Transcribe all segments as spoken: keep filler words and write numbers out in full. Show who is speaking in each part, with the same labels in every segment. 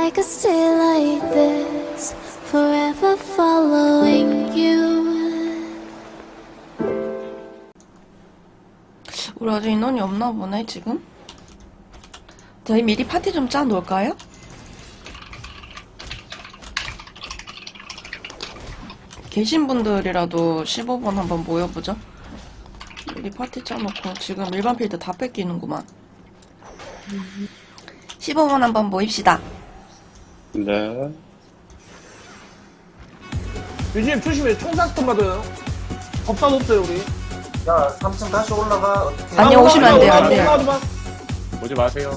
Speaker 1: I could stay like this, forever following you.
Speaker 2: 우리 아직 인원이 없나 보네 지금. 저희 미리 파티 좀 짜 놓을까요? 계신 분들이라도 십오 번 한번 모여보죠. 미리 파티 짜놓고 지금 일반 필드 다 뺏기는구만. 십오 번 한번 모입시다.
Speaker 3: 네.
Speaker 4: 유진님 조심해. 총사 스톤 받아요. 법사도 없어요 우리.
Speaker 5: 야, 삼 층 다시 올라가. 어떻게?
Speaker 2: 아니요, 오시면 안 돼요, 안 돼요.
Speaker 4: 올라가지 마.
Speaker 3: 오지 마세요.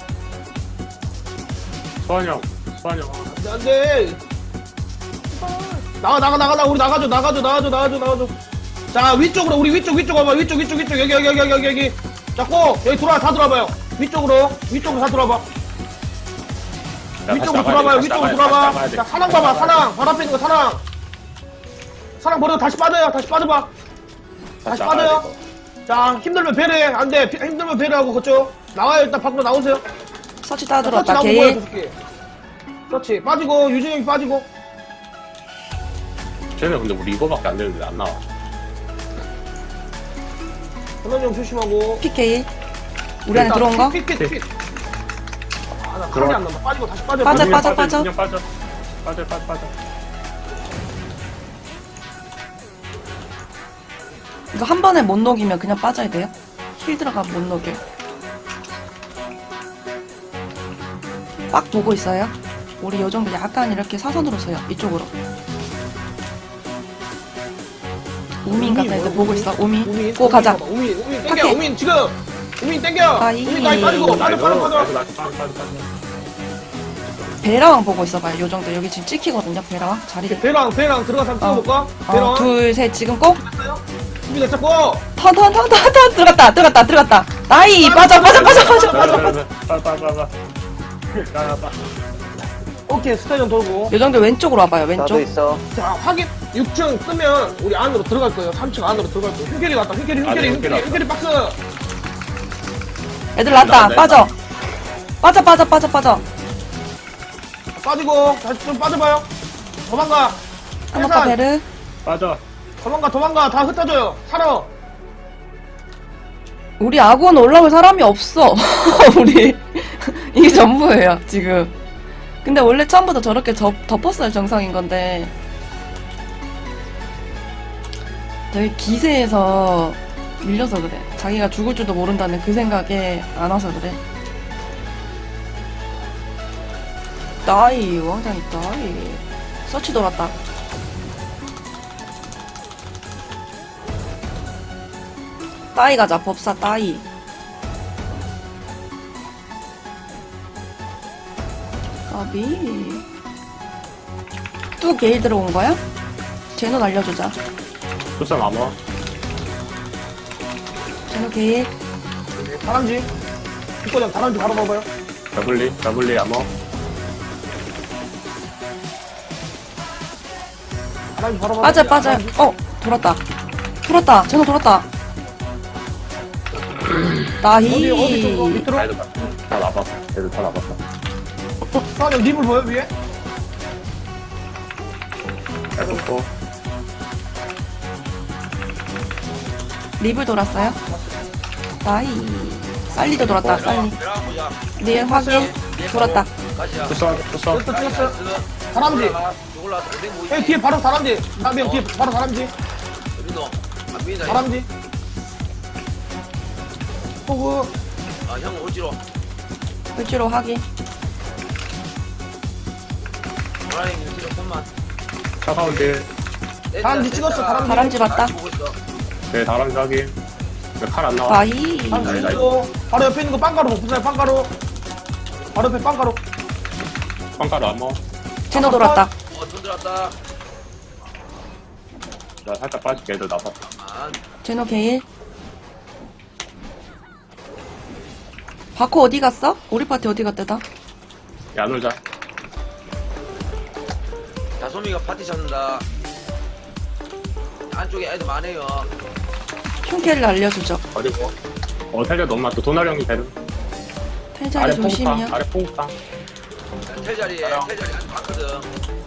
Speaker 3: 소환 형, 소환 형.
Speaker 4: 안 돼. 나가 나가 나가 나 우리 나가줘 나가줘 나가줘 나가줘 나가줘. 자 위쪽으로 우리 위쪽 위쪽 와봐 위쪽 위쪽 위쪽 여기 여기 여기 여기 여기 여기. 자고 여기 들어와 다 들어와봐요. 위쪽으로 위쪽으로 다 들어와봐.
Speaker 3: 야,
Speaker 4: 위쪽으로
Speaker 3: 다시 나가야
Speaker 4: 들어와봐요.
Speaker 3: 돼,
Speaker 4: 위쪽으로
Speaker 3: 다시
Speaker 4: 들어와봐.
Speaker 3: 나가야 돼,
Speaker 4: 자
Speaker 3: 다시
Speaker 4: 사랑
Speaker 3: 나가야
Speaker 4: 봐봐
Speaker 3: 돼.
Speaker 4: 사랑. 바로 앞에 있는 거 사랑. 사랑 버려 다시 빠져요. 다시 빠져봐. 다시
Speaker 3: 나가야
Speaker 4: 빠져요.
Speaker 3: 돼,
Speaker 4: 자 힘들면 배려해. 안돼 힘들면 배려하고 그쪽 나와요. 일단 밖으로 나오세요.
Speaker 2: 서치 다
Speaker 4: 서치
Speaker 2: 들어왔다.
Speaker 4: 나오고
Speaker 2: 게일.
Speaker 4: 뭐야, 저렇게. 그렇지 빠지고 유진이 형이 빠지고.
Speaker 3: 이거. 쟤네 근데 우리 이거밖에 안 되는데 안 나와.
Speaker 4: 현원이 형 조심하고.
Speaker 2: 피케일. 우리 안에 들어온 거?
Speaker 4: 핏, 핏, 핏, 핏. 아, 나
Speaker 3: 들어와.
Speaker 4: 칼이 안 남아. 빠지고 다시 빠져.
Speaker 2: 빠져,
Speaker 3: 그냥
Speaker 2: 빠져, 빠져.
Speaker 3: 그냥 빠져. 빠져, 빠져, 빠져.
Speaker 2: 이거 한 번에 못 녹이면 그냥 빠져야 돼요? 힐 들어가 못 녹여. 빡 보고 있어요. 우리 요 정도 약간 이렇게 사선으로 서요. 이쪽으로. 우민 같은 애들 보고 있어. 우민.
Speaker 4: 우민.
Speaker 2: 고 가자.
Speaker 4: 우민, 우민 땡겨.
Speaker 2: 오케이.
Speaker 4: 우민 지금. 우민 땡겨.
Speaker 2: 아이.
Speaker 4: 우민 나이 빠지고. 빠져, 빠져,
Speaker 3: 아이고,
Speaker 4: 빠져.
Speaker 3: 아이고, 빠져, 빠져, 빠져.
Speaker 2: 베라왕 보고 있어봐요. 요 정도. 여기 지금 찍히거든요. 베라왕. 자리를.
Speaker 4: 배랑, 배랑 들어가서 한번 찍어볼까?
Speaker 2: 어,
Speaker 4: 배랑.
Speaker 2: 둘, 셋. 지금 꼭.
Speaker 4: 준비됐었고.
Speaker 2: 턴, 턴, 턴, 턴, 턴. 들어갔다. 들어갔다. 들어갔다. 나이. 빠져, 빠져, 빠져, 빠져, 빠져.
Speaker 3: 빠져, 빠져, 빠져, 빠져. 야, 빠.
Speaker 4: 오케이, 스타전 돌고.
Speaker 2: 요 정도 왼쪽으로 와봐요.
Speaker 5: 나도
Speaker 2: 왼쪽.
Speaker 5: 있어.
Speaker 4: 자, 확인. 육 층 뜨면 우리 안으로 들어갈 거예요. 삼 층 안으로 들어갈 거예요. 흉결이 갔다. 흉결이, 흉결이,
Speaker 3: 아니,
Speaker 4: 흉결이,
Speaker 3: 흉결이
Speaker 4: 흉결이 박스.
Speaker 2: 애들 났다.
Speaker 3: 나온다,
Speaker 2: 빠져. 빠져, 빠져, 빠져, 빠져.
Speaker 4: 빠지고. 다시 좀 빠져봐요. 도망가.
Speaker 2: 한번더
Speaker 4: 해산.
Speaker 2: 베르.
Speaker 3: 빠져.
Speaker 4: 도망가, 도망가. 다 흩어져요. 살아.
Speaker 2: 우리 아군 올라올 사람이 없어. 우리 이게 전부예요 지금. 근데 원래 처음부터 저렇게 접, 덮었어야 정상인 건데 되게 기세에서 밀려서 그래. 자기가 죽을 줄도 모른다는 그 생각에 안 와서 그래. 나이 왕장이 나이. 서치 돌았다. 따이 가자. 법사 따이. 까비. 또 게일 들어온 거야? 제노 알려주자.
Speaker 3: 조선 암호.
Speaker 2: 제노 게일.
Speaker 4: 다람쥐. 뒷과장 다람쥐 바로 봐봐요.
Speaker 3: 더블리, 더블리 암호.
Speaker 4: 다람쥐 바로 봐봐요.
Speaker 2: 빠져 빠져. 어 돌았다. 돌았다. 제노 돌았다.
Speaker 4: 어디, 어디 좀,
Speaker 2: 나이.
Speaker 4: 밑으로?
Speaker 3: 애들 다, 다 나봤어. 애들 다 나봤어.
Speaker 4: 사장님 립을 보여, 위에?
Speaker 3: 잘 붙고.
Speaker 2: 립을 돌았어요. 나이. 살리도 돌았다. 살리. 릴 확인. 돌았다.
Speaker 3: 조선, 조선.
Speaker 4: 됐어, 찍었어. 다람쥐. 여기 뒤에 바로 다람쥐. 나비 형 뒤에 바로 다람쥐. 다람쥐. 호구.
Speaker 6: 아형 오지로
Speaker 2: 을지로 확인.
Speaker 6: 호랑이 오지로 손만
Speaker 3: 차가운 딜.
Speaker 4: 다람쥐 찍었어, 다람쥐.
Speaker 2: 다람쥐 봤다.
Speaker 3: 네, 다람 자기. 칼안 나와.
Speaker 2: 나이.
Speaker 4: 다람쥐
Speaker 3: 나이, 나이.
Speaker 4: 찍고. 바로 옆에 있는 거 빵가루 복붙어요, 빵가루. 바로 옆에 빵가루.
Speaker 3: 빵가루 암호.
Speaker 2: 제노 돌았다.
Speaker 6: 어손 들었다
Speaker 3: 나 살짝 빠질게. 애들 나봤어.
Speaker 6: 아
Speaker 2: 제노 게일. 바코 어디 갔어? 우리 파티 어디 갔대다?
Speaker 3: 야, 놀자.
Speaker 6: 다솜이가 파티 잡는다 안쪽에 애들 많아요
Speaker 2: 흉캐를 알려주죠.
Speaker 3: 어디고? 어, 살려 너무 많다. 도나령이 되는.
Speaker 2: 탈자리
Speaker 3: 아래
Speaker 2: 조심이요.
Speaker 3: 퐁탕, 아래 퐁탕.
Speaker 6: 텔자리에
Speaker 3: 나랑.
Speaker 6: 텔자리 아직 많거든.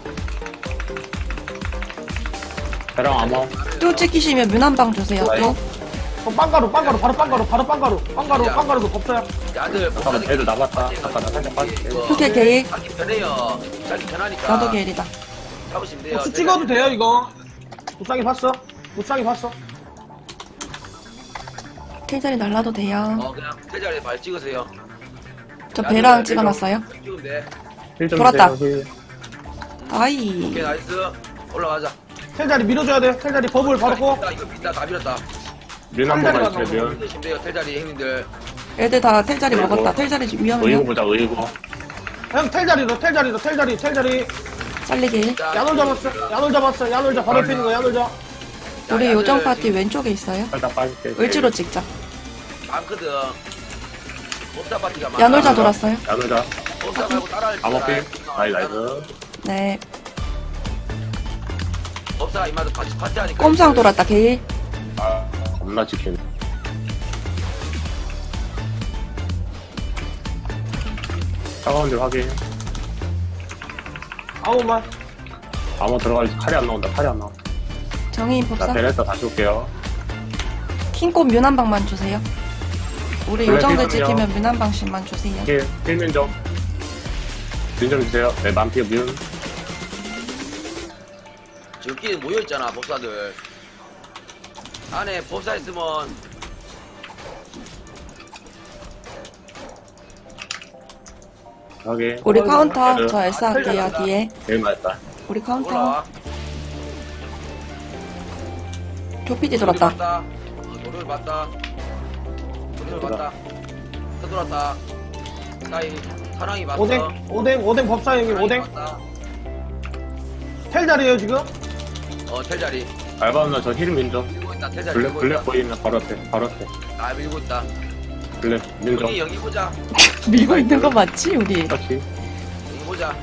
Speaker 3: 배랑 아마.
Speaker 2: 또 찍히시면 문 한 방 주세요. 또.
Speaker 4: 그럼 빵가루 빵가루 바로 빵가루 바로 빵가루 빵가루 빵가루도 없어요.
Speaker 6: 야들
Speaker 3: 잠깐만, 애들 남았다. 잠깐, 나 살짝 빠질게.
Speaker 2: 오케이, 게일.
Speaker 6: 자기 편해요. 자기 편하니까.
Speaker 2: 나도 게일이다.
Speaker 6: 잡으시면 돼요.
Speaker 4: 복수 찍어도 돼요 이거. 무쌍이 봤어? 무쌍이 봤어?
Speaker 2: 텔자리 날라도 돼요.
Speaker 6: 어 그냥 텔자리에 발 찍으세요.
Speaker 2: 저 배랑 찍어놨어요.
Speaker 6: 찍으면 돼.
Speaker 3: 힐좀
Speaker 2: 돌았다.
Speaker 3: 주세요, 힐.
Speaker 2: 아이.
Speaker 6: 오케이 나이스. 올라가자.
Speaker 4: 텔자리 밀어줘야 돼. 텔자리 버블 바로 고.
Speaker 6: 나 이거 빈다 다 밀었다.
Speaker 3: 륜한
Speaker 4: 텔자리가
Speaker 3: 번만 있으면 륜.
Speaker 6: 힘드시면 돼요 텔자리 형님들.
Speaker 2: 애들 다 텔자리 먹었다. 텔자리
Speaker 3: 의고
Speaker 2: 위험해요.
Speaker 3: 보자, 의고.
Speaker 4: 형 텔자리로 텔자리로 텔자리 텔자리.
Speaker 2: 잘리게.
Speaker 6: 자,
Speaker 4: 야놀 잡았어. 야놀 잡았어. 야놀 잡 바로 옆에 있는 거 야놀 잡.
Speaker 2: 우리
Speaker 6: 야들
Speaker 2: 요정 파티
Speaker 6: 지금
Speaker 2: 왼쪽에 있어요.
Speaker 3: 살짝 빠질게.
Speaker 2: 을지로 찍자.
Speaker 6: 많거든. 법사 파티가 많아.
Speaker 2: 야놀자 돌았어요.
Speaker 3: 야놀자.
Speaker 6: 법사 말고 따라할 줄
Speaker 3: 암호필.
Speaker 6: 알아.
Speaker 3: 나이, 나이스.
Speaker 2: 네.
Speaker 6: 법사 이마도 같이 파티 하니까.
Speaker 2: 꼼상 돌았다. 게일.
Speaker 3: 아, 겁나 지키네. 차가운 줄 확인.
Speaker 4: 아우만.
Speaker 3: 암호 들어갈지 칼이 안 나온다, 칼이 안 나온다.
Speaker 2: 정의인
Speaker 3: 자,
Speaker 2: 법사.
Speaker 3: 베레타 다시 올게요.
Speaker 2: 킹꽃 문 한 방만 주세요. 우리
Speaker 3: 블랙
Speaker 2: 요정들
Speaker 3: 힐이요.
Speaker 2: 찍히면 문 한 방씩만 주세요.
Speaker 3: 힐, 힐민 좀. 륜좀 주세요. 네, 만피의 륜.
Speaker 6: 저끼리 모여있잖아 법사들. 안에 법사 있으면
Speaker 3: 확인.
Speaker 2: 우리 카운터
Speaker 3: 애들.
Speaker 2: 저 엘사 할게요. 뒤에.
Speaker 3: 제일 맛있다.
Speaker 2: 우리 카운터.
Speaker 6: 올라와.
Speaker 2: 조피디 돌았다.
Speaker 6: 봤다. 노를 봤다. 노를 봤다. 또 돌았다. 나이 사랑이 봤어.
Speaker 4: 오뎅 오뎅 오뎅 법사 형님
Speaker 6: 사랑이
Speaker 4: 오뎅.
Speaker 6: 봤다.
Speaker 4: 텔자리에요 지금.
Speaker 6: 어 텔자리.
Speaker 3: 알바 누나 저 힐민 좀.
Speaker 6: 밀고 있다. 텔자리
Speaker 3: 블랙,
Speaker 6: 밀고
Speaker 3: 블랙
Speaker 6: 있다.
Speaker 3: 보이면 바로 앞에, 바로 앞에.
Speaker 6: 아 밀고 있다.
Speaker 3: 블랙, 민 좀.
Speaker 6: 우리 영희 보자.
Speaker 2: 밀고 있는 거 맞지 우리?
Speaker 3: 그렇지.
Speaker 6: 영희 보자.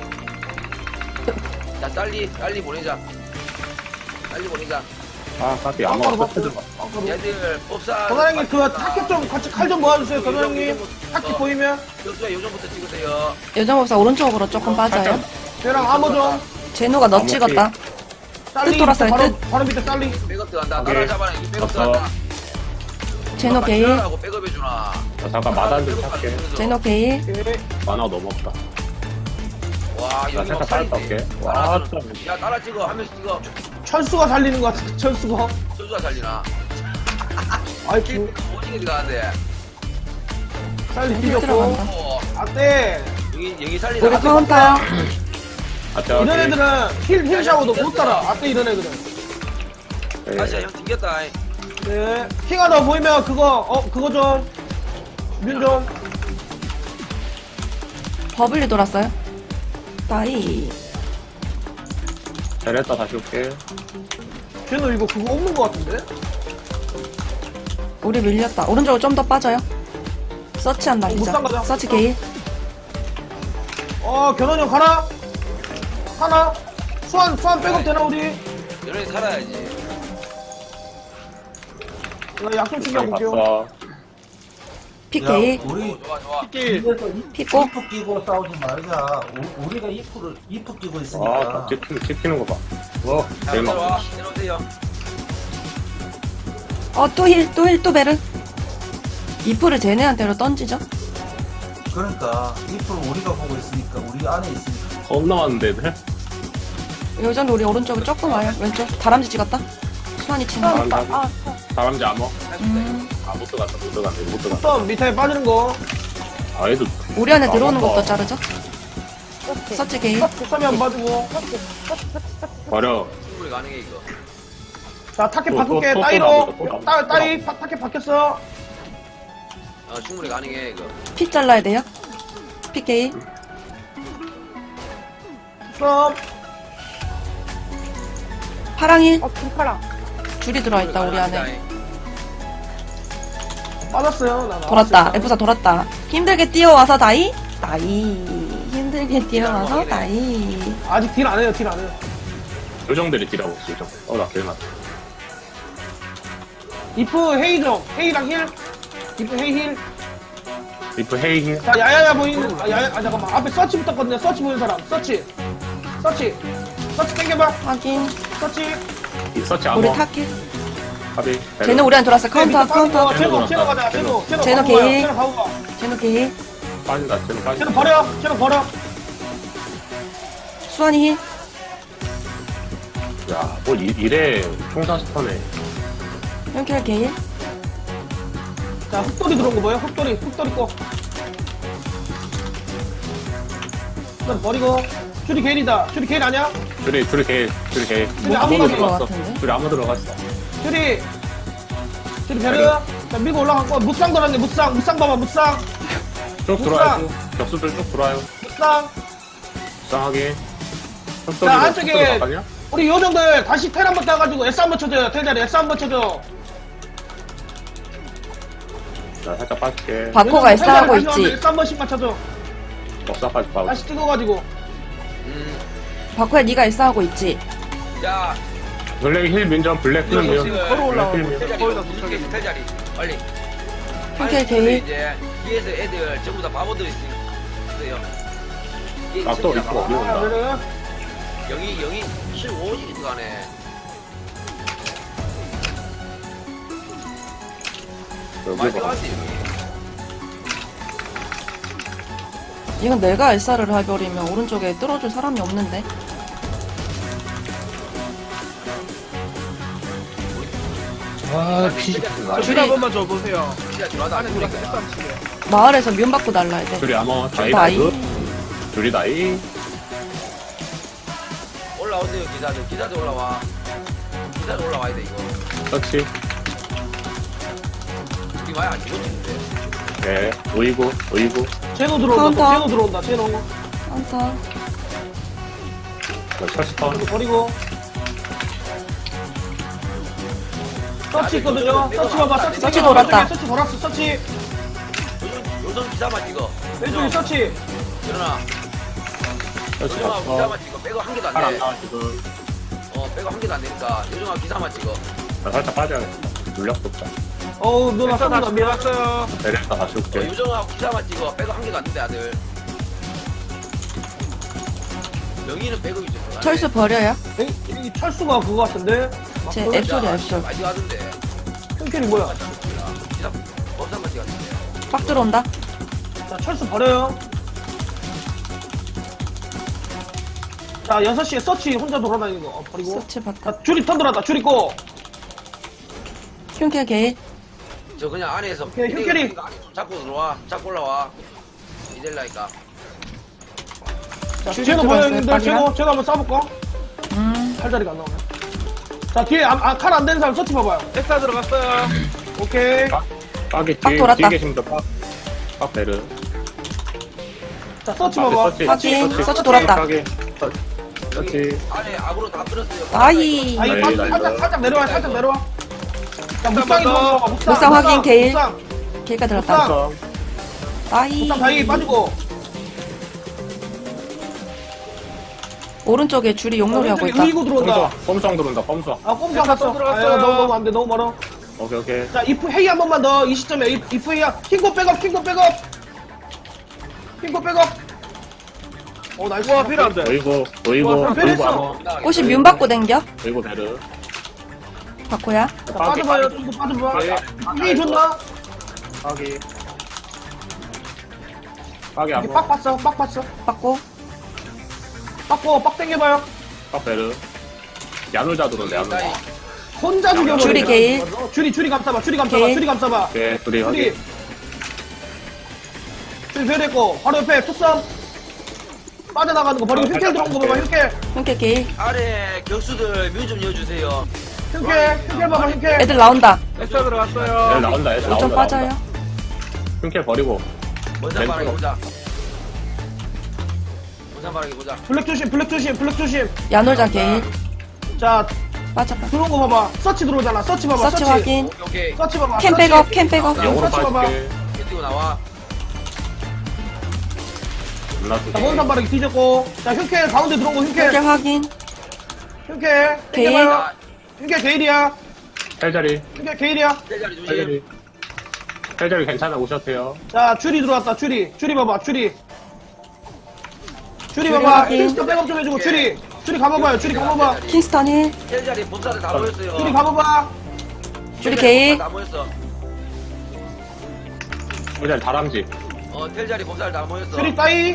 Speaker 6: 자 빨리 빨리 보내자. 빨리 보내자.
Speaker 3: 아, 까비 아마
Speaker 4: 빵가루
Speaker 3: 터트려.
Speaker 4: 받고. 빵가루.
Speaker 6: 얘들 법사.
Speaker 4: 도사장님 그 타켓 좀 같이 칼 좀 모아주세요 도사장님. 타켓 보이면.
Speaker 6: 교수야 요정부터 찍으세요.
Speaker 2: 요정 법사 오른쪽으로 조금 빠져요.
Speaker 4: 쟤랑 아무 좀.
Speaker 2: 제노가 너
Speaker 3: 아무
Speaker 2: 찍었다.
Speaker 4: 딸리
Speaker 2: 돌았어요,
Speaker 4: 바로
Speaker 2: 뜻.
Speaker 4: 바로 밑에 딸리.
Speaker 6: 백업 들어간다.
Speaker 3: 오케이.
Speaker 6: 나라 잡아라. 이 백업
Speaker 3: 됐어.
Speaker 6: 들어간다.
Speaker 2: 제노 게일.
Speaker 6: 하고 백업 해주나.
Speaker 3: 자, 잠깐 마단 좀 찾게.
Speaker 2: 제노 게일.
Speaker 4: 오케이.
Speaker 3: 만화 너무 없다.
Speaker 6: 와
Speaker 3: 나
Speaker 6: 여기
Speaker 3: 살짝 빨리 갈게. 와,
Speaker 6: 와.
Speaker 3: 참.
Speaker 6: 야 따라 찍어 한 명씩 찍어.
Speaker 4: 철수가 살리는 것 같아 철수가.
Speaker 6: 소주가 살리나.
Speaker 4: 아이
Speaker 6: 킬
Speaker 4: 그
Speaker 6: 오징어 들어가는데.
Speaker 4: 살릴 필요 없고.
Speaker 2: 들어간다.
Speaker 6: 어
Speaker 4: 안돼.
Speaker 6: 여기 여기 살리나.
Speaker 2: 우리 카운터.
Speaker 3: 아, 자,
Speaker 4: 이런 애들은 힐, 힐 샤워도 못 따라. 아떼 이런 애들은.
Speaker 6: 다시야 형 튕겼다.
Speaker 4: 네. 킹 하나 보이면 그거, 어, 그거 좀. 민 좀.
Speaker 2: 버블리 돌았어요. 따이.
Speaker 3: 베레타 다시 올게.
Speaker 4: 쟤는 이거 그거 없는 것 같은데?
Speaker 2: 우리 밀렸다. 오른쪽으로 좀 더 빠져요. 서치한
Speaker 4: 못
Speaker 2: 날리자.
Speaker 4: 상가자.
Speaker 2: 서치 게일.
Speaker 4: 어, 견원이 형 가라. 하나. 수완, 수완 백업 되나, 우리?
Speaker 6: 이런 애 살아야지.
Speaker 4: 나 약속 챙겨볼게요.
Speaker 3: 봤어.
Speaker 2: 피
Speaker 5: 야,
Speaker 2: 게일.
Speaker 5: 우리
Speaker 6: 좋아 좋아.
Speaker 4: 길.
Speaker 5: 이래서 이-
Speaker 2: 피고.
Speaker 5: 이프 끼고 싸우지 말자. 우- 우리가 이프를 이프 끼고
Speaker 3: 아,
Speaker 5: 있으니까.
Speaker 3: 찍히는, 찍히는 거 봐. 와,
Speaker 6: 자
Speaker 3: 제일 막.
Speaker 6: 들어와. 내려오세요.
Speaker 2: 어, 또 힐, 또 힐, 또 베르. 이프를 쟤네한테로 던지죠.
Speaker 5: 그러니까 이프를 우리가 보고 있으니까 우리 안에 있으니까.
Speaker 3: 겁나 많은데, 애들?
Speaker 2: 요전도 우리 오른쪽에 조금 와요. 왼쪽. 다람쥐 찍었다. 수환이 치는 거.
Speaker 3: 다람쥐, 다람쥐 암호?
Speaker 2: 음,
Speaker 3: 아, 못 들어갔다, 못 들어갔다, 못 들어갔다.
Speaker 4: 썸, 밑에 빠지는 거.
Speaker 3: 아, 얘도.
Speaker 2: 우리 안에
Speaker 3: 아,
Speaker 2: 들어오는
Speaker 3: 맞다.
Speaker 2: 것도 자르죠. 서치 게일.
Speaker 4: 썸이 안 빠지고.
Speaker 3: 버려.
Speaker 6: 충분히 가능해 이거.
Speaker 4: 자, 타켓
Speaker 3: 또,
Speaker 4: 바꿀게.
Speaker 3: 또, 또
Speaker 4: 따이로.
Speaker 3: 나오죠, 또 나오죠.
Speaker 4: 따, 따이, 파- 타켓 바뀌었어.
Speaker 6: 어 충분히 가능해 이거.
Speaker 2: 피 잘라야 돼요. 피 게일.
Speaker 4: 썸.
Speaker 2: 파랑일.
Speaker 4: 어, 금파랑.
Speaker 2: 줄이 들어있다, 우리 안에.
Speaker 4: 빠졌어요. 나
Speaker 2: 돌았다. F사 돌았다. 힘들게 뛰어와서 다이. 다이. 힘들게 뛰어와서 다이.
Speaker 4: 아직 딜 안 해요, 딜 안 해요.
Speaker 3: 요정들이 딜하고 있어, 요정. 어, 나 제일 맞다.
Speaker 4: 이프 헤이 좀. 헤이랑 힐. 이프 헤이 힐.
Speaker 3: 리프 헤이 힐.
Speaker 4: 자, 야야야 보이는, 아, 야야, 아, 잠깐만. 앞에 서치 붙었거든요. 서치 보이는 사람. 서치. 서치. 서치 땡겨봐.
Speaker 2: 확인.
Speaker 4: 서치.
Speaker 3: 이 서치
Speaker 2: 우리
Speaker 3: 아머.
Speaker 2: 탈게.
Speaker 3: 가비.
Speaker 2: 쟤는 우리한테 들어왔어. 카운터, 카운터.
Speaker 4: 제노, 제노 가자. 제노, 제노.
Speaker 2: 제노
Speaker 4: 가고 가요.
Speaker 2: 게이.
Speaker 4: 제노 가고 가.
Speaker 2: 제노 게이.
Speaker 3: 빠진다. 쟤는
Speaker 4: 제노
Speaker 3: 빠진다.
Speaker 4: 버려. 제노 버려.
Speaker 2: 수환이 힐.
Speaker 3: 야, 뭐 이, 이래 총사 스턴에.
Speaker 2: 형켈 게일.
Speaker 4: 자, 흑돌이 들어온 거 뭐예요? 흑돌이, 흑돌이 꺼. 일단 버리고. 슈리 게일이다. 슈리 게일 아니야?
Speaker 3: 둘이 둘이 개 둘이 개.
Speaker 4: 슈리 아무
Speaker 2: 게일
Speaker 4: 들어가.
Speaker 2: 들어가. 같은데?
Speaker 3: 둘이 아무 들어갔어.
Speaker 4: 슈리. 슈리 베르. 자, 밀고 올라갔고. 무쌍 들어왔네. 무쌍. 무쌍 봐봐. 무쌍.
Speaker 3: 쭉 들어와요. 쭉. 격수들 쭉 들어와요.
Speaker 4: 무쌍.
Speaker 3: 이상하게.
Speaker 4: 자, 안쪽에 우리 요정들 다시 텔 한번 따가지고 S 한번 쳐줘요. 텔 자리 S 한번 쳐줘.
Speaker 3: 자, 살짝 빠질게.
Speaker 2: 바코가 S 하고 있지.
Speaker 4: S 한 번씩만 쳐줘.
Speaker 3: 역사까지 봐.
Speaker 4: 다시 찍어가지고.
Speaker 6: 음.
Speaker 2: 바코야 네가 S 하고 있지.
Speaker 6: 야,
Speaker 3: 블랙 힐 민전 블랙 힐 민전.
Speaker 6: 지금
Speaker 4: 걸어 올라와.
Speaker 3: 블랙 힐
Speaker 6: 텔
Speaker 3: 민전.
Speaker 6: 자리 이거 무슨 게 텔 자리 빨리.
Speaker 2: 형켈
Speaker 6: 아니,
Speaker 2: 게일.
Speaker 6: 이제 뒤에서 애들 전부 다 바보들 있어요. 이게
Speaker 3: 아, 또
Speaker 6: 진짜
Speaker 3: 있고.
Speaker 6: 바보.
Speaker 4: 아, 그래?
Speaker 6: 여기 여기 십오일이 들어가네. 많이
Speaker 3: 여기 봐.
Speaker 6: 들어갔지 여기.
Speaker 2: 이건 내가 S를 해버리면 오른쪽에 뚫어줄 사람이 없는데.
Speaker 3: 아, 피.
Speaker 2: 줄이
Speaker 6: 진짜 들어가다 안에 들어갔다.
Speaker 2: 마을에서 뮨 받고 날라야 돼.
Speaker 3: 둘이 아머. 다이
Speaker 2: 다이.
Speaker 3: 다이. 둘이 다이.
Speaker 6: 올라오세요 기사들. 기사들 올라와. 기사들 올라와야 돼 이거.
Speaker 3: 터치.
Speaker 6: 우리 많이 안 죽었는데.
Speaker 3: 네. 오이고. 오이고.
Speaker 4: 제노 들어온다.
Speaker 2: 카운터.
Speaker 4: 제노 들어온다. 제노.
Speaker 2: 카운터.
Speaker 3: 첫 스턴.
Speaker 4: 이거 버리고. 서치 있거든요. 서치 봐봐. 서치.
Speaker 2: 서치
Speaker 4: 땡겨봐.
Speaker 2: 돌았다.
Speaker 4: 서치 돌았어. 서치.
Speaker 6: 요즘 요즘 기사만 찍어.
Speaker 4: 왼쪽에 서치.
Speaker 6: 일어나.
Speaker 3: 터치
Speaker 6: 요즘아
Speaker 3: 봤어.
Speaker 6: 기사만 찍어. 백업 한 개도 안
Speaker 3: 팔안
Speaker 6: 돼.
Speaker 3: 나와 지금.
Speaker 6: 어 백업 한 개도 안 되니까 요즘아 기사만 찍어.
Speaker 3: 나 살짝 빠져야겠다. 물력 돋자.
Speaker 4: 어우, 누나 쏜다. 밀었어요.
Speaker 3: 내렸다 다시
Speaker 6: 어,
Speaker 3: 올게.
Speaker 6: 요정아 기사만 찍어. 백업 한 개도 안 된대 아들. 명의는 백업이 좀.
Speaker 2: 철수 버려요.
Speaker 4: 이 철수가 그거 같은데? 막
Speaker 2: 제
Speaker 4: 그거?
Speaker 2: 앱소리 앱솔.
Speaker 6: 많이 가던데.
Speaker 4: 흉캐리 뭐야?
Speaker 6: 기사 법사만 찍었는데.
Speaker 2: 빡 들어온다.
Speaker 4: 자, 철수 버려요. 자, 여섯 시에 서치 혼자 돌아다니는 거 어, 버리고.
Speaker 2: 서치 봤다.
Speaker 4: 자, 줄이 턴 들어왔다. 줄이 꼬.
Speaker 2: 형켈 게일.
Speaker 6: 저 그냥 안에서
Speaker 4: 오케이, 흉캐리.
Speaker 6: 이거 안에 좀 잡고 들어와. 잡고 올라와. 이될라니까.
Speaker 4: 자,
Speaker 2: 줄이
Speaker 4: 제노
Speaker 2: 들어왔어요,
Speaker 4: 보였는데,
Speaker 2: 빠지나?
Speaker 4: 제노, 제노 한번 쏴볼까?
Speaker 2: 음.
Speaker 4: 팔다리가 안 나오네. 자, 뒤에, 아, 아, 칼 안 되는 사람 서치 봐봐요. 엑사 들어갔어요. 오케이.
Speaker 3: 빠기
Speaker 2: 빡
Speaker 3: 뒤에
Speaker 2: 돌았다.
Speaker 3: 뒤에 계신 분들 빡. 빡 베르.
Speaker 4: 자, 서치
Speaker 3: 앞에
Speaker 4: 봐봐.
Speaker 3: 서치.
Speaker 2: 확인. 서치 돌았다.
Speaker 3: 빠기. 서- 서치.
Speaker 6: 안에 악으로 다 들었어요.
Speaker 2: 아이.
Speaker 4: 아, 이
Speaker 3: 나이,
Speaker 4: 빠-
Speaker 3: 나이,
Speaker 4: 살짝,
Speaker 3: 나이.
Speaker 4: 살짝 내려와, 살짝 내려와. 자, 무쌍이 들어와. 무쌍,
Speaker 2: 무쌍 확인, 게일.
Speaker 4: 무쌍,
Speaker 2: 게일가 들었다.
Speaker 4: 무쌍.
Speaker 2: 아이.
Speaker 4: 무쌍 다이 빠지고.
Speaker 2: 오른쪽에 줄이 용놀이 하고
Speaker 4: 왼쪽에
Speaker 2: 있다.
Speaker 4: 의이고 들어온다.
Speaker 3: pom수왕. pom수왕 들어온다. pom수왕.
Speaker 4: 아, 꼼수 갔어. 들어갔어. 너무, 너무 안 돼, 너무 멀어.
Speaker 3: 오케이 오케이.
Speaker 4: 자, 이프 헤이 한 번만 더. 이 시점에 이- 이프 헤이야. 킹고 백업, 킹고 백업. 킹고 백업. 어, 나이스. 와, 필요한데.
Speaker 3: 오이고. 오이고.
Speaker 4: 와,
Speaker 3: 오이고
Speaker 4: 베르
Speaker 3: 아머.
Speaker 2: 꽃이 뮨 받고 댕겨.
Speaker 3: 오이고 베르.
Speaker 2: 바코야.
Speaker 4: 자, 빠져봐요. 좀 더 빠져봐.
Speaker 3: 빠기.
Speaker 4: 헤이 좋나?
Speaker 3: 빠기. 빠기
Speaker 4: 이게
Speaker 3: 아머.
Speaker 4: 빡 봤어, 빡 봤어.
Speaker 2: 받고.
Speaker 4: 빡고, 빡 땡겨봐요.
Speaker 3: 빡 베르. 야놀자 들어온다 야놀자.
Speaker 4: 혼자 죽여버려.
Speaker 2: 줄이 게일.
Speaker 4: 줄이, 줄이 감싸봐, 줄이 감싸봐,
Speaker 2: 게일.
Speaker 4: 줄이 감싸봐.
Speaker 3: 오케이 둘이
Speaker 4: 줄이.
Speaker 3: 확인.
Speaker 4: 줄이 배려했고, 바로 옆에 투썸. 빠져나가는 거 버리고
Speaker 3: 아,
Speaker 4: 흉캐 들어온 거 봐봐, 흉캐.
Speaker 2: 형켈 게일.
Speaker 6: 아래 격수들 뮤 좀 여주세요.
Speaker 4: 흉캐, 흉캐 봐봐, 흉캐.
Speaker 2: 애들 나온다.
Speaker 3: 애들 나온다 애들 나온다.
Speaker 2: 좀 빠져요.
Speaker 3: 흉캐 버리고.
Speaker 6: 원산 바라기
Speaker 3: 왼쪽.
Speaker 6: 보자. 원산 바라기 보자.
Speaker 4: 블랙 조심, 블랙 조심, 블랙 조심.
Speaker 2: 야놀자 게일.
Speaker 4: 자,
Speaker 2: 빠져 빠져.
Speaker 4: 들어온 거 봐봐. 서치 들어오잖아, 서치 봐봐,
Speaker 2: 서치 확인.
Speaker 6: 오케이 오케이.
Speaker 4: 서치 봐봐.
Speaker 2: 캠
Speaker 4: 서치.
Speaker 2: 백업 캠 백업.
Speaker 3: 영으로
Speaker 4: 서치 봐봐.
Speaker 3: 빠질게.
Speaker 6: 뛰고 나와.
Speaker 3: 올라갈게.
Speaker 4: 자, 원산 바르기 뒤졌고. 자, 흉캐 가운데 들어온 거 흉캐.
Speaker 2: 형켈 확인.
Speaker 4: 흉캐.
Speaker 2: 게일.
Speaker 4: 땡겨봐요. 흉캐 게일이야.
Speaker 3: 헬자리.
Speaker 4: 흉캐 게일이야.
Speaker 6: 텔 자리 조심.
Speaker 3: 헬자리. 텔자리 괜찮아, 오셔도 돼요.
Speaker 4: 자, 추리 들어왔다, 추리. 추리 봐봐, 추리. 추리
Speaker 2: 추리
Speaker 4: 봐봐.
Speaker 2: 확인.
Speaker 4: 킹스턴 백업 좀 해주고, 추리. 추리 가봐봐요, 추리 가봐봐.
Speaker 2: 킹스턴 힐.
Speaker 6: 텔자리 본사들 다 모였어요.
Speaker 4: 추리 가봐봐.
Speaker 2: 줄이 개일.
Speaker 6: 다 모였어.
Speaker 3: 텔자리 다람쥐.
Speaker 6: 어 텔자리 본사들 다 모였어.
Speaker 4: 추리 따이.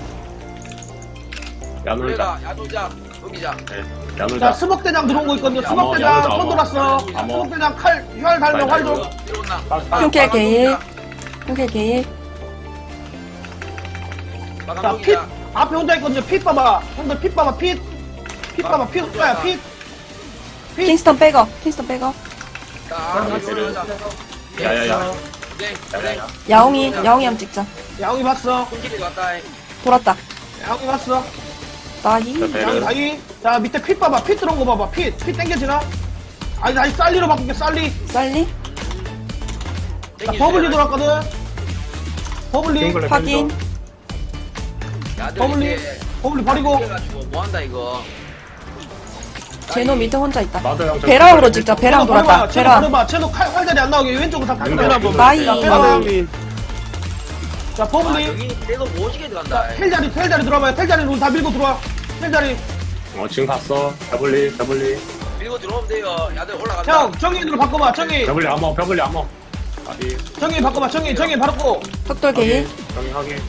Speaker 3: 야놀자.
Speaker 6: 우리가 야놀자 여기자.
Speaker 3: 네,
Speaker 4: 자,
Speaker 3: 야놀자.
Speaker 4: 스먹대장 들어온 거 있거든요.
Speaker 3: 암호,
Speaker 4: 스먹대장
Speaker 3: 야무져,
Speaker 4: 손
Speaker 3: 암호.
Speaker 4: 돌았어.
Speaker 3: 암호.
Speaker 4: 스먹대장 칼, 휘알 달면 활 좀.
Speaker 6: 들어온나.
Speaker 2: 흉킬 개일. 흉킬 개일.
Speaker 4: 자, 핏. 앞에 혼자 있거든요. 핏 봐봐. 형들 핏 봐봐, 핏. 핏 봐봐, 핏 혼자야, 핏. 핏.
Speaker 2: 킹스턴 백업. 킹스턴 백업.
Speaker 3: 야야야.
Speaker 6: 네,
Speaker 3: 야야야.
Speaker 2: 야옹이. 야옹이 한번 찍자.
Speaker 4: 야옹이 봤어.
Speaker 6: 콩길이 왔다.
Speaker 2: 돌았다.
Speaker 4: 야옹이 봤어.
Speaker 2: 나히.
Speaker 3: 자,
Speaker 4: 야옹이
Speaker 3: 배를.
Speaker 4: 다이. 자, 밑에 핏 봐봐. 핏 들어온 거 봐봐. 핏. 핏 땡겨지나? 아니, 다시 쌀리로 바꿀게, 쌀리.
Speaker 2: 쌀리.
Speaker 4: 자, 버블리 돌았거든. 버블리.
Speaker 3: 싱글렛
Speaker 2: 확인.
Speaker 4: 버블리. 버블리 버리고.
Speaker 6: 해가지고 뭐 한다 이거.
Speaker 2: 제노 밑에 혼자 있다.
Speaker 3: 나도 형.
Speaker 2: 배랑으로 찍자. 배랑 돌았다.
Speaker 4: 쟤도
Speaker 2: 배랑.
Speaker 4: 버려봐. 쟤도 칼, 활자리 안 나오게 왼쪽으로 다
Speaker 3: 음,
Speaker 4: 빼라.
Speaker 3: 음,
Speaker 2: 나이.
Speaker 4: 자, 빼봐. 자,
Speaker 6: 아
Speaker 4: 버블리.
Speaker 6: 여기 계속 모시게
Speaker 4: 자,
Speaker 6: 들어간다.
Speaker 4: 텔자리, 텔자리 들어와봐요. 텔자리로 다 밀고 들어와. 텔자리.
Speaker 3: 어, 지금 갔어. 더블리, 더블리.
Speaker 6: 밀고 들어오면 돼요. 야들 올라간다.
Speaker 4: 형, 정인으로 바꿔봐. 정인.
Speaker 3: 더블리 암호, 더블리 암호. 아디.
Speaker 4: 정인 바꿔봐. 정인, 정인 바르고.
Speaker 2: 흑돌 개일.
Speaker 3: 정리 확인.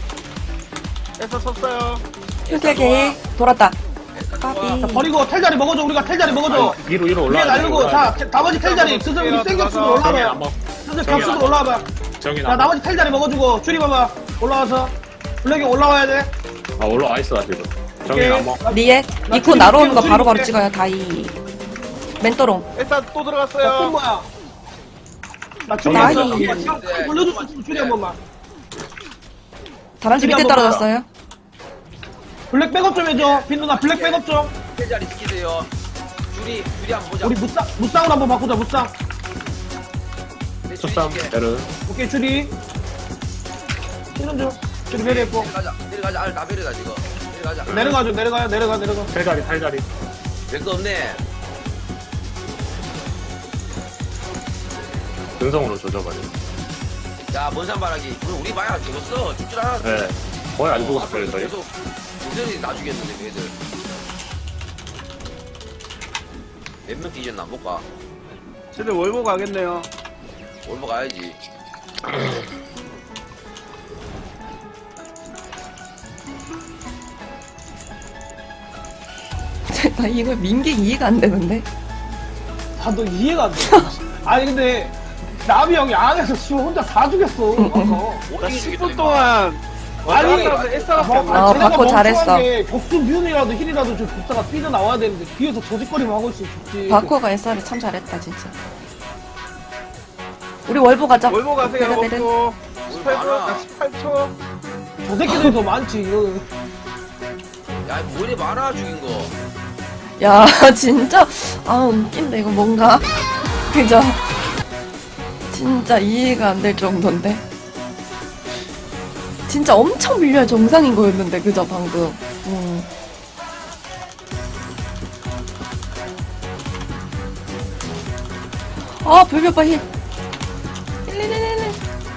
Speaker 2: 흉킬 개일. 돌았다.
Speaker 4: 자,
Speaker 2: 까비.
Speaker 4: 버리고 텔자리 먹어줘. 우리가 텔자리 먹어줘.
Speaker 3: 아니, 위로, 위로
Speaker 4: 위에
Speaker 3: 올라가.
Speaker 4: 날리고. 자, 테- 나머지 텔자리. 슬슬 우리 센 격수로
Speaker 3: 정리
Speaker 4: 올라와봐요.
Speaker 3: 암호.
Speaker 4: 슬슬
Speaker 3: 정인
Speaker 4: 격수로
Speaker 3: 암호.
Speaker 4: 올라와봐.
Speaker 3: 정인
Speaker 4: 자,
Speaker 3: 암호.
Speaker 4: 나머지 텔자리 먹어주고. 줄이 봐봐. 올라와서. 블랙이 올라와야 돼.
Speaker 3: 아, 올라와 있어, 나 지금. 정인
Speaker 4: 오케이.
Speaker 3: 암호.
Speaker 2: 리액.
Speaker 4: 나
Speaker 2: 이코
Speaker 4: 줄이
Speaker 2: 날아오는 거
Speaker 4: 줄이
Speaker 2: 바로바로
Speaker 4: 줄이
Speaker 2: 찍어요. 다이. 멘토롱.
Speaker 4: 자, 또 뭐야? 나 줄이
Speaker 2: 나이.
Speaker 4: 한번 불러줄 수 있으면 줄이 한 번만.
Speaker 2: 다람쥐 밑에
Speaker 4: 줄이 한 번만.
Speaker 2: 떨어졌어요.
Speaker 4: 블랙 백업 좀 해줘. 빈 누나 블랙 백업 좀.
Speaker 6: 텔자리 시키세요. 줄이 줄이 한번 보자.
Speaker 4: 우리 무쌍 무쌍으로 한번 바꾸자. 무쌍.
Speaker 6: 네, 줄이
Speaker 3: 초쌈,
Speaker 6: 시켜.
Speaker 3: 베르.
Speaker 4: 오케이 줄이. 신은 좀. 줄이 배려했고.
Speaker 6: 내려가자. 내려가자. 아, 다 베르다 지금. 내려가자.
Speaker 4: 내려가죠. 내려가요. 내려가 내려가.
Speaker 3: 탈자리, 탈자리.
Speaker 6: 별거 없네.
Speaker 3: 근성으로 조져버려.
Speaker 6: 자, 먼산바라기. 우리 우리 마야 죽었어. 죽줄 알았어.
Speaker 3: 네. 거의 안 죽었어요, 저희.
Speaker 6: 계속 무전이 나 죽였는데 그 애들. 몇 명 뒤졌나 못 가.
Speaker 7: 쟤들 월보 가겠네요.
Speaker 6: 올버 가야지.
Speaker 2: 나 이거 민기 이해가 안 되는데.
Speaker 4: 나도 이해가 안 돼. 아니 근데 남이 형이 안에서 씨발 혼자 다 죽였어. 아까.
Speaker 7: 나 십 분 동안
Speaker 4: 아니,
Speaker 7: 왔다 애써갖고
Speaker 2: 어,
Speaker 7: 안
Speaker 4: 쟤네가
Speaker 2: 바꿔 잘했어.
Speaker 4: 멍청한 게 격수 뮤이라도 힐이라도 좀 복사가 삐져 나와야 되는데 뒤에서 조직거리만 하고 있으면 좋지.
Speaker 2: 바코가 에스알이 참 잘했다 진짜. 우리 월보 가자.
Speaker 7: 월보 가세요.
Speaker 2: 내려, 내려.
Speaker 7: 월보 십팔 분,
Speaker 6: 많아.
Speaker 7: 나 십팔 초.
Speaker 4: 저 새끼들이 더 많지. 이거.
Speaker 6: 야, 뭐 이래 많아 죽인 거.
Speaker 2: 야 진짜 아 웃긴다 이거 뭔가 그죠? 진짜 이해가 안 될 정도인데. 진짜 엄청 밀려야 정상인 거였는데 그죠 방금. 음. 아 별별빠 힐. 힐힐힐힐.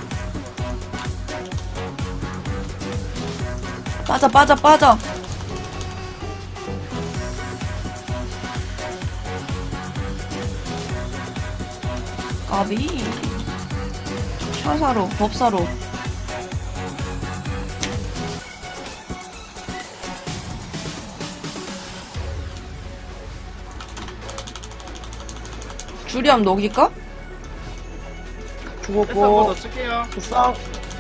Speaker 2: 빠져 빠져 빠져. 까비. 샤사로 법사로. 주리함 녹일까?
Speaker 7: 패스 한번
Speaker 4: 죽었고.
Speaker 7: 더 쓸게요.
Speaker 4: 부상.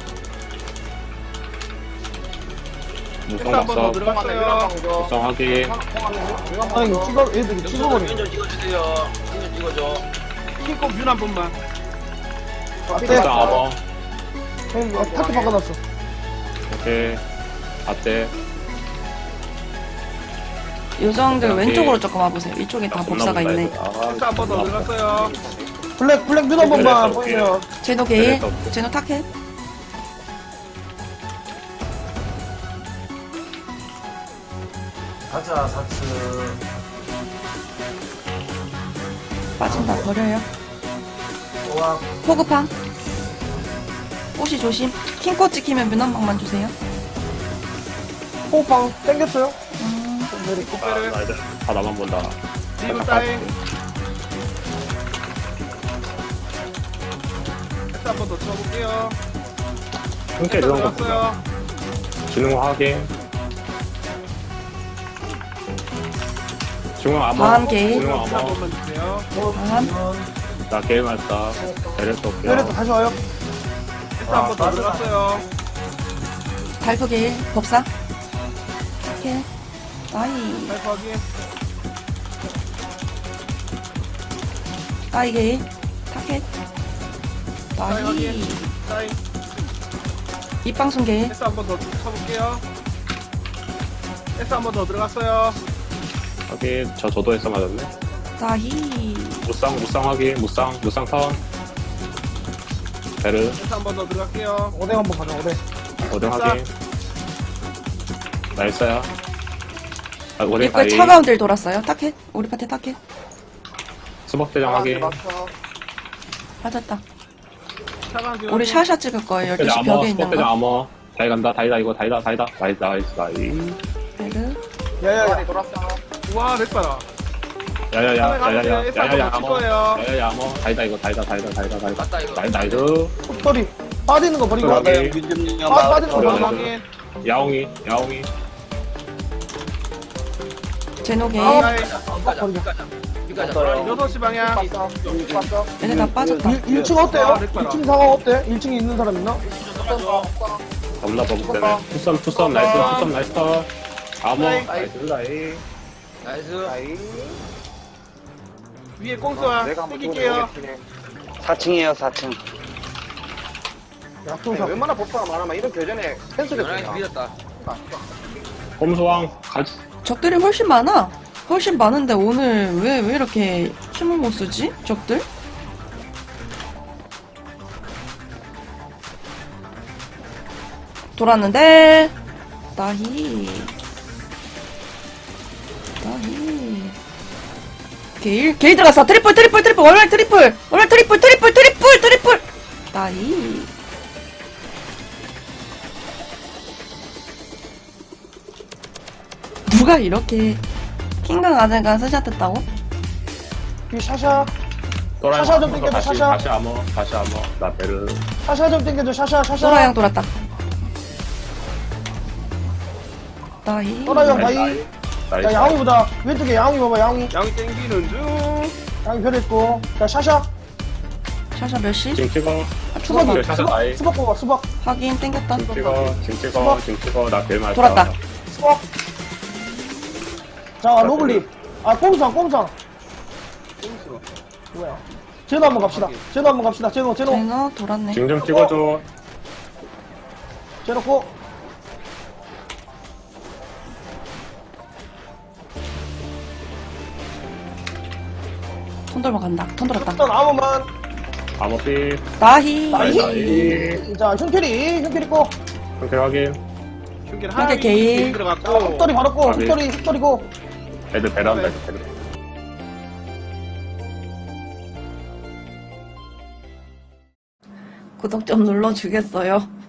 Speaker 7: 패스
Speaker 3: 무성
Speaker 7: 한번 더
Speaker 3: 봤어.
Speaker 7: 들어갔어요.
Speaker 3: 무성 확인.
Speaker 4: 아니 찍어 애들이 찍어버려.
Speaker 6: 좀 찍어주세요. 좀 찍어줘.
Speaker 7: 킹코 뷰한 번만.
Speaker 4: 앞에
Speaker 3: 무성 암호.
Speaker 4: 형 어, 타투 바꿔놨어.
Speaker 3: 오케이. 앞대.
Speaker 2: 요정들
Speaker 3: 오케이.
Speaker 2: 왼쪽으로 조금 와보세요. 이쪽에 다 법사가 있네.
Speaker 7: 패스 한번 더 들어갔어요.
Speaker 4: 블랙 블랙 뮤한 번만
Speaker 3: 그래,
Speaker 4: 보이면.
Speaker 2: 제노 게일,
Speaker 3: 그래서 없어.
Speaker 2: 제노 타켓.
Speaker 5: 가자, 사츠.
Speaker 2: 빠진다 버려요.
Speaker 5: 와,
Speaker 2: 포그팡. 호시 조심. 킹코 찍히면 문 한 방만 주세요.
Speaker 4: 호빵 땡겼어요.
Speaker 2: 음,
Speaker 3: 아, 나 이제 다 나만 본다.
Speaker 7: 리브 따잉. 패스 한 번 더 쳐볼게요.
Speaker 3: 형태 이런 거 보자.
Speaker 7: 들어갔어요.
Speaker 3: 지능 확인. 중앙 암호.
Speaker 2: 다음 게임.
Speaker 3: 중앙
Speaker 7: 패스 한
Speaker 3: 암호.
Speaker 7: 번만 주세요.
Speaker 2: 다음.
Speaker 3: 나 게임 했다. 베레스 올게요.
Speaker 4: 내려서 다시 와요.
Speaker 7: 패스 한 번 더 들어갔어요.
Speaker 2: 발표 게일. 법사. 오케이. 따이.
Speaker 7: 파이프 확인.
Speaker 2: 따이 게일. 타켓.
Speaker 7: 따이
Speaker 2: 따이.
Speaker 7: 확인. 따잉.
Speaker 2: 입방송 게일.
Speaker 7: 패스 한 번 더 쳐볼게요. 패스 한 번 더 들어갔어요.
Speaker 3: 확인. 저 저도에서 맞았네.
Speaker 2: 따이.
Speaker 3: 무쌍 무쌍 확인. 무쌍 무쌍 턴. 베르.
Speaker 7: 패스 한 번 더 들어갈게요.
Speaker 4: 오뎅 한번 가자, 오뎅.
Speaker 3: 오등 확인. 나이스야. 아, 오등
Speaker 2: 입구에
Speaker 3: 다이.
Speaker 2: 차가운 들 돌았어요. 타켓. 우리 파티 타켓.
Speaker 3: 수박대장 확인.
Speaker 2: 맞았다.
Speaker 7: 차가운 지
Speaker 2: 우리 샤샤 찍을 거예요. 열두 시
Speaker 3: 수박대장
Speaker 2: 벽에
Speaker 3: 암호.
Speaker 2: 있는
Speaker 3: 수박대장
Speaker 2: 거.
Speaker 3: 암호. 다이 간다. 다이다 이거 다이다 다이다. 나이스 나이스 나이스.
Speaker 2: 베르.
Speaker 4: 야야야.
Speaker 7: 우와, 렉 봐라.
Speaker 3: 야야야 야야야
Speaker 7: 에스
Speaker 3: 야야야
Speaker 7: 한번
Speaker 3: 암호.
Speaker 7: 거예요.
Speaker 3: 야야야 암호. 다이다 이거 다이다 다이다 다이다 다이다.
Speaker 6: 맞다, 이거.
Speaker 3: 나이스 나이스.
Speaker 4: 톱돌이 빠지는 거 버리고.
Speaker 3: 확인.
Speaker 4: 빠, 빠지는 거
Speaker 3: 그래,
Speaker 4: 버리고.
Speaker 7: 확인.
Speaker 3: 야옹이 야옹이.
Speaker 2: 제노 게일.
Speaker 4: 아,
Speaker 7: 따잉.
Speaker 6: 여기까지, 여기까지. 여기까지.
Speaker 7: 여섯 시 방향.
Speaker 2: 얘네 다 빠졌다.
Speaker 4: 일 층 어때요? 일 층 상황 어때? 일 층에 있는 사람 있나?
Speaker 3: 겁나 버벅대네. 투썸 투썸 나이스 투썸 나이스 턴. 암호 나이스 나이.
Speaker 6: 나이스.
Speaker 7: 위에 꽁수와 땡길게요.
Speaker 8: 사 층이에요, 사 층.
Speaker 4: 약통사.
Speaker 8: 웬만한 법사가 많으면 이런 교전에
Speaker 6: 연락이 밀렸다.
Speaker 3: 곰소왕 가지.
Speaker 2: 적들이 훨씬 많아. 훨씬 많은데 오늘 왜, 왜 이렇게 힘을 못 쓰지? 적들? 돌았는데 나히 나히 게일 게일 들어갔어. 트리플 트리플 트리플 월말 트리플 월말 트리플 트리플 트리플 트리플 나히 누가 이렇게 킹강 아재가 스샷했다고?
Speaker 4: 이 샤샤.
Speaker 3: 또라이
Speaker 4: 샤샤 좀
Speaker 3: 암호.
Speaker 4: 땡겨줘,
Speaker 3: 다시
Speaker 4: 샤샤.
Speaker 3: 다시 암호 다시 암호. 나 베르.
Speaker 4: 샤샤 좀 땡겨줘, 샤샤, 샤샤.
Speaker 2: 소라양 돌았다. 나이
Speaker 4: 또라이 형
Speaker 3: 나이스
Speaker 4: 바이.
Speaker 3: 나이. 나이스.
Speaker 4: 야, 야옹이 보자. 왼쪽에 야옹이 봐봐, 야옹이.
Speaker 7: 양이 땡기는 중.
Speaker 4: 야옹이 별 있고. 자, 샤샤.
Speaker 2: 샤샤 몇 시?
Speaker 3: 지금 찍어.
Speaker 4: 수박이.
Speaker 3: 샤샤
Speaker 4: 수박,
Speaker 3: 나이.
Speaker 4: 수박 뽑아, 수박.
Speaker 2: 확인 땡겼다.
Speaker 3: 지금 찍어. 지금 찍어. 지금 찍어. 나 베르 맞았다.
Speaker 2: 돌았다.
Speaker 4: 수박. 자, 로블립. 아, 꼼상, 꼼상. 뭐야. 제노 한번 갑시다. 제노 한번 갑시다. 제노, 제노.
Speaker 2: 제노 돌았네.
Speaker 3: 지금 좀 찍어줘.
Speaker 4: 제노 고.
Speaker 2: 톤 돌면 간다. 톤 돌았다.
Speaker 4: 일단 아무만.
Speaker 3: 암호 삐.
Speaker 2: 나히
Speaker 3: 나이스
Speaker 4: 나이.
Speaker 3: 나이.
Speaker 4: 자, 흉캐리, 흉캐리 고.
Speaker 3: 상태 확인.
Speaker 7: 흉길
Speaker 2: 흉길
Speaker 7: 하위
Speaker 2: 게일.
Speaker 7: 들어갔고.
Speaker 4: 자, 흑돌이 바로 고.
Speaker 3: 아, 네.
Speaker 4: 흑돌이, 흑돌이 고.
Speaker 3: 애들 베르 한다. 애들 베르.
Speaker 2: 구독 좀 눌러주겠어요?